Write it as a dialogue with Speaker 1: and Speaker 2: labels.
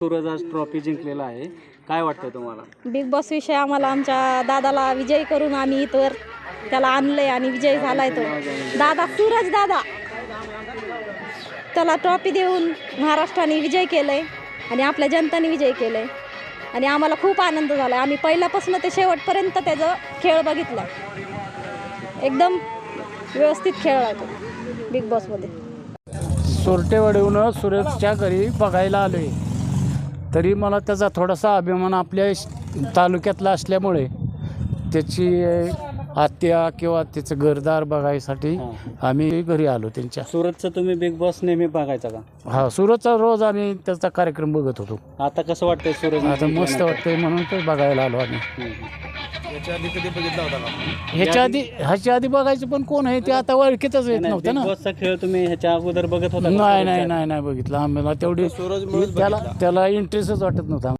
Speaker 1: सूरज आज ट्रॉफी जिंकलेला आहे, काय वाटतं तुम्हाला?
Speaker 2: बिग बॉस विषय आम्हाला आमच्या दादाला विजयी करून आम्ही इथवर त्याला आणलंय आणि विजयी झालाय तो दादा, सूरज दादा. त्याला ट्रॉफी देऊन महाराष्ट्राने विजय केलंय आणि आपल्या जनताने विजय केलंय आणि आम्हाला खूप आनंद झाला. आम्ही पहिल्यापासून ते शेवटपर्यंत त्याचं खेळ बघितला. एकदम व्यवस्थित खेळला तो बिग बॉसमध्ये.
Speaker 3: सोरटेवाडीहून सुरेशच्या घरी बघायला आलो आहे, तरी मला त्याचा थोडासा अभिमान आपल्या तालुक्यातला असल्यामुळे त्याची आत्या किंवा त्याचं घरदार बघायसाठी आम्ही घरी आलो त्यांच्या.
Speaker 1: सूरजचं तुम्ही बिग बॉस नेहमी बघायचा का?
Speaker 3: हा, सूरजचा रोज आम्ही त्याचा कार्यक्रम बघत होतो.
Speaker 1: आता कसं वाटतंय सूरज?
Speaker 3: आता मस्त वाटतंय म्हणून ते बघायला आलो आम्ही. ह्याच्या आधी बघायचं पण कोण आहे ते आता ओळखीतच येत नव्हतं ना.
Speaker 1: बिग बॉसचा खेळ तुम्ही ह्याच्या अगोदर बघत होता?
Speaker 3: नाही बघितलं. आम्हाला तेवढी त्याला इंटरेस्टच वाटत नव्हता.